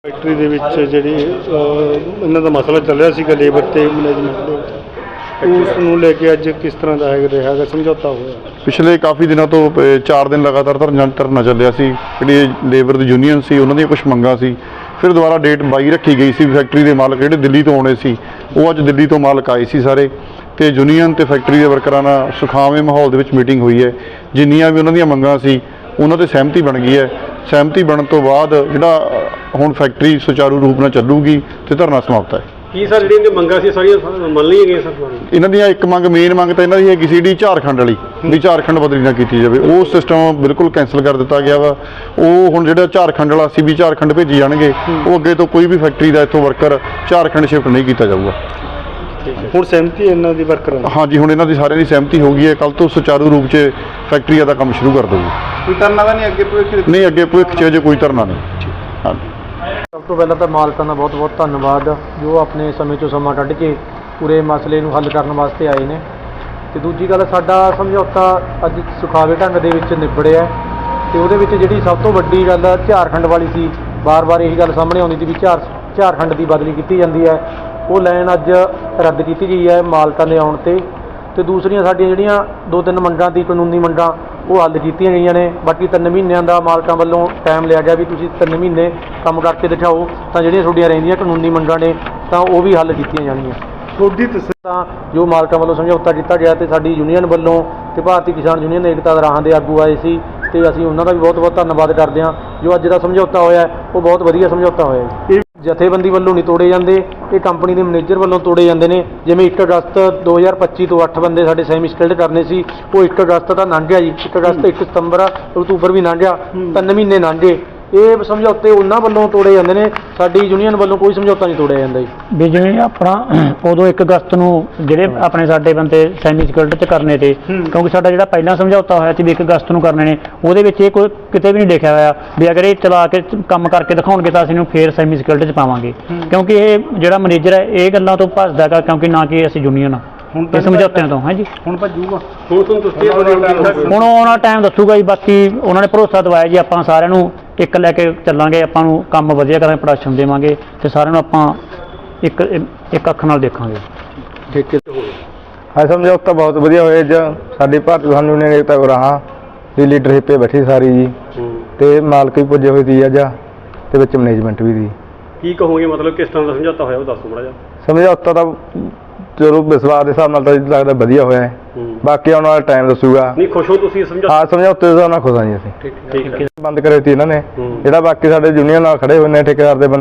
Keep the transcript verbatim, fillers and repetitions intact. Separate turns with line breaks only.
Factory ਦੇ ਵਿੱਚ ਜਿਹੜੀ ਇਹਨਾਂ ਦਾ ਮਸਲਾ ਚੱਲ ਰਿਹਾ ਸੀਗਾ ਲੇਬਰ ਤੇ ਮੈਨੇਜਮੈਂਟ ਦੇ ਵਿੱਚ ਉਸ ਨੂੰ ਲੈ ਕੇ ਅੱਜ ਕਿਸ ਤਰ੍ਹਾਂ ਦਾ ਹੈ ਰਿਹਾ ਹੈਗਾ ਸਮਝੌਤਾ ਹੋਇਆ।
ਪਿਛਲੇ ਕਾਫੀ ਦਿਨਾਂ ਤੋਂ ਚਾਰ ਦਿਨ ਲਗਾਤਾਰ ਧਰਨਾ ਚੱਲਿਆ ਸੀ। ਜਿਹੜੀ ਲੇਬਰ ਦੀ ਯੂਨੀਅਨ ਸੀ ਉਹਨਾਂ ਦੀਆਂ ਕੁਝ ਮੰਗਾਂ ਸੀ। ਫਿਰ ਦੁਬਾਰਾ ਡੇਟ ਬਾਈ ਰੱਖੀ ਗਈ ਸੀ। ਫੈਕਟਰੀ ਦੇ ਮਾਲਕ ਜਿਹੜੇ ਦਿੱਲੀ ਤੋਂ ਆਉਣੇ ਸੀ ਉਹ ਅੱਜ ਦਿੱਲੀ ਤੋਂ ਮਾਲਕ ਆਏ ਸੀ ਸਾਰੇ, ਤੇ ਯੂਨੀਅਨ ਤੇ ਫੈਕਟਰੀ ਦੇ ਵਰਕਰਾਂ ਨਾਲ ਸੁਖਾਵੇਂ ਮਾਹੌਲ ਦੇ ਵਿੱਚ ਮੀਟਿੰਗ ਹੋਈ ਹੈ। ਜਿੰਨੀਆਂ ਵੀ ਉਹਨਾਂ ਦੀਆਂ ਮੰਗਾਂ ਸੀ ਉਹਨਾਂ 'ਤੇ ਸਹਿਮਤੀ ਬਣ ਗਈ ਹੈ। ਸਹਿਮਤੀ ਬਣਨ ਤੋਂ ਬਾਅਦ ਜਿਹੜਾ ਹੁਣ ਫੈਕਟਰੀ ਸੁਚਾਰੂ ਰੂਪ ਨਾਲ ਚੱਲੂਗੀ ਤੇ ਧਰਨਾ ਸਮਾਪਤ ਹੈ।
ਕੀ ਸਰ ਜਿਹੜੀਆਂ ਮੰਗਾਂ ਸੀ ਸਾਰੀਆਂ ਮੰਨ ਲਈਆਂ ਗਈਆਂ ਸਰ?
ਇਹਨਾਂ ਦੀਆਂ ਇੱਕ ਮੰਗ ਮੇਨ ਮੰਗ ਤਾਂ ਇਹਨਾਂ ਦੀ ਹੈਗੀ ਸੀ ਜਿਹੜੀ ਝਾਰਖੰਡ ਵਾਲੀ ਵੀ ਝਾਰਖੰਡ ਬਦਲੀ ਨਾ ਕੀਤੀ ਜਾਵੇ, ਉਹ ਸਿਸਟਮ ਬਿਲਕੁਲ ਕੈਂਸਲ ਕਰ ਦਿੱਤਾ ਗਿਆ ਵਾ। ਉਹ ਹੁਣ ਜਿਹੜਾ ਝਾਰਖੰਡ ਵਾਲਾ ਸੀ ਵੀ ਝਾਰਖੰਡ ਭੇਜੀ ਜਾਣਗੇ, ਉਹ ਅੱਗੇ ਤੋਂ ਕੋਈ ਵੀ ਫੈਕਟਰੀ ਦਾ ਇੱਥੋਂ ਵਰਕਰ ਝਾਰਖੰਡ ਸ਼ਿਫਟ ਨਹੀਂ ਕੀਤਾ ਜਾਊਗਾ।
ਹੁਣ ਸਹਿਮਤੀ ਇਹਨਾਂ ਦੀ ਵਰਕਰਾਂ ਦੀ?
ਹਾਂਜੀ, ਹੁਣ ਇਹਨਾਂ ਦੀ ਸਾਰਿਆਂ ਦੀ ਸਹਿਮਤੀ ਹੋ ਗਈ ਹੈ। ਕੱਲ੍ਹ ਤੋਂ ਸੁਚਾਰੂ ਰੂਪ 'ਚ ਫੈਕਟਰੀ ਦਾ ਕੰਮ ਸ਼ੁਰੂ ਕਰ ਦੇਊਗੀ।
ਕੋਈ ਧਰਨਾ ਤਾਂ ਨਹੀਂ ਅੱਗੇ ਭਵਿੱਖ?
ਨਹੀਂ, ਅੱਗੇ ਭਵਿੱਖ 'ਚ ਅਜੇ ਕੋਈ ਧਰਨਾ ਨਹੀਂ। ਹਾਂਜੀ,
ਸਭ ਤੋਂ ਪਹਿਲਾਂ ਤਾਂ ਮਾਲਕਾਂ ਦਾ ਬਹੁਤ ਬਹੁਤ ਧੰਨਵਾਦ ਜੋ ਆਪਣੇ ਸਮੇਂ 'ਚੋਂ ਸਮਾਂ ਕੱਢ ਕੇ ਪੂਰੇ ਮਸਲੇ ਨੂੰ ਹੱਲ ਕਰਨ ਵਾਸਤੇ ਆਏ ਨੇ। ਅਤੇ ਦੂਜੀ ਗੱਲ, ਸਾਡਾ ਸਮਝੌਤਾ ਅੱਜ ਸੁਖਾਵੇਂ ਢੰਗ ਦੇ ਵਿੱਚ ਨਿਬੜਿਆ ਅਤੇ ਉਹਦੇ ਵਿੱਚ ਜਿਹੜੀ ਸਭ ਤੋਂ ਵੱਡੀ ਗੱਲ ਝਾਰਖੰਡ ਵਾਲੀ ਸੀ, ਵਾਰ-ਵਾਰ ਇਹੀ ਗੱਲ ਸਾਹਮਣੇ ਆਉਂਦੀ ਸੀ ਵੀ ਝਾਰ ਝਾਰਖੰਡ ਦੀ ਬਦਲੀ ਕੀਤੀ ਜਾਂਦੀ ਹੈ, ਉਹ ਲਾਈਨ ਅੱਜ ਰੱਦ ਕੀਤੀ ਗਈ ਹੈ ਮਾਲਕਾਂ ਦੇ ਆਉਣ 'ਤੇ। ਅਤੇ ਦੂਸਰੀਆਂ ਸਾਡੀਆਂ ਜਿਹੜੀਆਂ ਦੋ ਤਿੰਨ ਮੰਗਾਂ ਦੀ ਕਾਨੂੰਨੀ ਮੰਗਾਂ ਉਹ ਹੱਲ ਕੀਤੀਆਂ ਗਈਆਂ ਨੇ। ਬਾਕੀ ਤਿੰਨ ਮਹੀਨਿਆਂ ਦਾ ਮਾਲਕਾਂ ਵੱਲੋਂ ਟਾਈਮ ਲਿਆ ਗਿਆ ਵੀ ਤੁਸੀਂ ਤਿੰਨ ਮਹੀਨੇ ਕੰਮ ਕਰਕੇ ਦਿਖਾਓ, ਤਾਂ ਜਿਹੜੀਆਂ ਤੁਹਾਡੀਆਂ ਰਹਿੰਦੀਆਂ ਕਾਨੂੰਨੀ ਮੰਗਾਂ ਨੇ ਤਾਂ ਉਹ ਵੀ ਹੱਲ ਕੀਤੀਆਂ ਜਾਣਗੀਆਂ।
ਤੁਹਾਡੀ ਤਾਂ
ਜੋ ਮਾਲਕਾਂ ਵੱਲੋਂ ਸਮਝੌਤਾ ਕੀਤਾ ਗਿਆ ਅਤੇ ਸਾਡੀ ਯੂਨੀਅਨ ਵੱਲੋਂ ਅਤੇ ਭਾਰਤੀ ਕਿਸਾਨ ਯੂਨੀਅਨ ਏਕਤਾ ਦੇ ਰਾਹਾਂ ਦੇ ਆਗੂ ਆਏ ਸੀ ਅਤੇ ਅਸੀਂ ਉਹਨਾਂ ਦਾ ਵੀ ਬਹੁਤ ਬਹੁਤ ਧੰਨਵਾਦ ਕਰਦੇ ਹਾਂ। ਜੋ ਅੱਜ ਦਾ ਸਮਝੌਤਾ ਹੋਇਆ ਉਹ ਬਹੁਤ ਵਧੀਆ ਸਮਝੌਤਾ ਹੋਇਆ ਜੀ। ਇਹ ਜਥੇਬੰਦੀ ਵੱਲੋਂ ਨਹੀਂ ਤੋੜੇ ਜਾਂਦੇ, ਇਹ ਕੰਪਨੀ ਦੇ ਮੈਨੇਜਰ ਵੱਲੋਂ ਤੋੜੇ ਜਾਂਦੇ ਨੇ। ਜਿਵੇਂ ਇੱਕ ਅਗਸਤ ਦੋ ਹਜ਼ਾਰ ਪੱਚੀ ਤੋਂ ਅੱਠ ਬੰਦੇ ਸਾਡੇ ਸੈਮੀ ਸਕਿਲਡ ਕਰਨੇ ਸੀ, ਉਹ ਇੱਕ ਅਗਸਤ ਤਾਂ ਲੰਘ ਗਿਆ ਜੀ। ਇੱਕ ਅਗਸਤ ਇੱਕ ਸਤੰਬਰ ਅਕਤੂਬਰ ਵੀ ਲੰਘ ਗਿਆ, ਤਿੰਨ ਮਹੀਨੇ ਲੰਘ ਗਏ। ਇਹ ਸਮਝੌਤੇ ਉਹਨਾਂ ਵੱਲੋਂ ਤੋੜੇ ਜਾਂਦੇ ਨੇ, ਸਾਡੀ ਯੂਨੀਅਨ ਵੱਲੋਂ ਕੋਈ ਸਮਝੌਤਾ ਨਹੀਂ ਤੋੜਿਆ ਜਾਂਦਾ ਜੀ।
ਵੀ ਜਿਵੇਂ ਆਪਣਾ ਉਦੋਂ ਇੱਕ ਅਗਸਤ ਨੂੰ ਜਿਹੜੇ ਆਪਣੇ ਸਾਡੇ ਬੰਦੇ ਸੈਮੀ ਸਕਿਲਡ 'ਚ ਕਰਨੇ ਤੇ, ਕਿਉਂਕਿ ਸਾਡਾ ਜਿਹੜਾ ਪਹਿਲਾਂ ਸਮਝੌਤਾ ਹੋਇਆ ਸੀ ਵੀ ਇੱਕ ਅਗਸਤ ਨੂੰ ਕਰਨੇ ਨੇ, ਉਹਦੇ ਵਿੱਚ ਇਹ ਕੋਈ ਕਿਤੇ ਵੀ ਨਹੀਂ ਲਿਖਿਆ ਹੋਇਆ ਵੀ ਅਗਰ ਇਹ ਚਲਾ ਕੇ ਕੰਮ ਕਰਕੇ ਦਿਖਾਉਣਗੇ ਤਾਂ ਅਸੀਂ ਇਹਨੂੰ ਫੇਰ ਸੈਮੀ ਸਕਿਲਡ 'ਚ ਪਾਵਾਂਗੇ। ਕਿਉਂਕਿ ਇਹ ਜਿਹੜਾ ਮੈਨੇਜਰ ਹੈ ਇਹ ਗੱਲਾਂ ਤੋਂ ਭੱਜਦਾ ਗਾ, ਕਿਉਂਕਿ ਨਾ ਕਿ ਅਸੀਂ ਯੂਨੀਅਨ ਆ ਇਹ ਸਮਝੌਤਿਆਂ ਤੋਂ। ਹਾਂਜੀ,
ਹੁਣ ਭੱਜੂਗਾ। ਹੁਣ ਤੁਹਾਨੂੰ ਦੱਸੀ
ਹੁਣ ਉਹਨਾਂ ਟਾਈਮ ਦੱਸੂਗਾ ਜੀ। ਬਾਕੀ ਉਹਨਾਂ ਨੇ ਭਰੋਸਾ ਦਵਾਇਆ ਜੀ, ਆਪਾਂ ਸਾਰਿਆਂ ਨੂੰ ਇੱਕ ਲੈ ਕੇ ਚੱਲਾਂਗੇ, ਆਪਾਂ ਨੂੰ ਕੰਮ ਵਧੀਆ ਕਰਾਂਗੇ, ਪ੍ਰੋਡਕਸ਼ਨ ਦੇਵਾਂਗੇ ਅਤੇ ਸਾਰਿਆਂ ਨੂੰ ਆਪਾਂ ਇੱਕ ਇੱਕ ਅੱਖ ਨਾਲ ਦੇਖਾਂਗੇ।
ਠੇਕੇ
ਹਾਂ, ਸਮਝੌਤਾ ਬਹੁਤ ਵਧੀਆ ਹੋਇਆ ਜੀ। ਸਾਡੀ ਭਾਰਤੀ ਕਿਸਾਨ ਯੂਨੀਅਨ ਏਕਤਾ ਰਾਹਾਂ ਦੀ ਲੀਡਰਸ਼ਿਪ 'ਤੇ ਬੈਠੀ ਸਾਰੀ ਜੀ, ਅਤੇ ਮਾਲਕ ਵੀ ਪੁੱਜੇ ਹੋਏ ਸੀ ਅੱਜ, ਅਤੇ ਵਿੱਚ ਮੈਨੇਜਮੈਂਟ ਵੀ ਸੀ।
ਕੀ ਕਹੋਗੇ, ਮਤਲਬ ਕਿਸ ਤਰ੍ਹਾਂ ਦਾ ਸਮਝੌਤਾ ਹੋਇਆ ਉਹ ਦੱਸੋ ਮਾੜਾ ਜਿਹਾ।
ਸਮਝੌਤਾ ਤਾਂ ਚਲੋ ਵਿਸ਼ਵਾਸ ਦੇ ਹਿਸਾਬ ਨਾਲ ਤਾਂ ਲੱਗਦਾ ਵਧੀਆ ਹੋਇਆ ਹੈ, ਬਾਕੀ ਆਉਣ ਵਾਲਾ ਟਾਈਮ ਦੱਸੂਗਾ।
ਨਹੀਂ, ਖੁਸ਼ ਹੋ ਤੁਸੀਂ ਸਮਝੌਤਾ?
ਹਾਂ, ਸਮਝੌਤੇ ਦੇ ਹਿਸਾਬ ਨਾਲ ਖੁਸ਼ ਹਾਂ ਜੀ ਅਸੀਂ।
ਠੀਕ ਹੈ।
ਬੰਦ ਕਰੇ ਸੀ ਇਹਨਾਂ ਨੇ, ਜਿਹੜਾ ਬਾਕੀ ਸਾਡੇ ਯੂਨੀਅਨ ਨਾਲ ਖੜੇ ਹੋਏ ਨੇ ਠੇਕੇਦਾਰ ਦੇ